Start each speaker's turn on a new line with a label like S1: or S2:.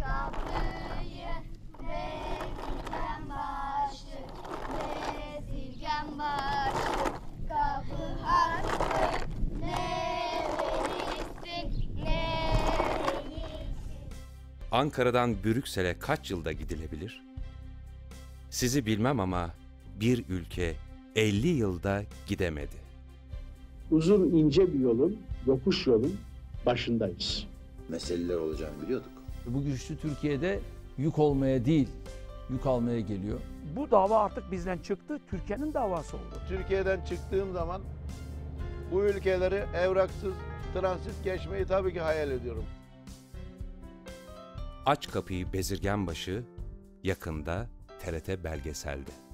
S1: Kapıyı bezirgen başı, bezirgen başı, kapı hakkı ne verirsin, ne verirsin.
S2: Ankara'dan Brüksel'e kaç yılda gidilebilir? Sizi bilmem ama bir ülke 50 yılda gidemedi.
S3: Uzun ince bir yolun, yokuş yolun başındayız.
S4: Meseleler olacağını biliyorduk.
S5: Bu güçlü Türkiye'de yük olmaya değil, yük almaya geliyor.
S6: Bu dava artık bizden çıktı, Türkiye'nin davası oldu.
S7: Türkiye'den çıktığım zaman bu ülkeleri evraksız transit geçmeyi tabii ki hayal ediyorum.
S2: Aç Kapıyı Bezirgenbaşı yakında TRT belgeselde.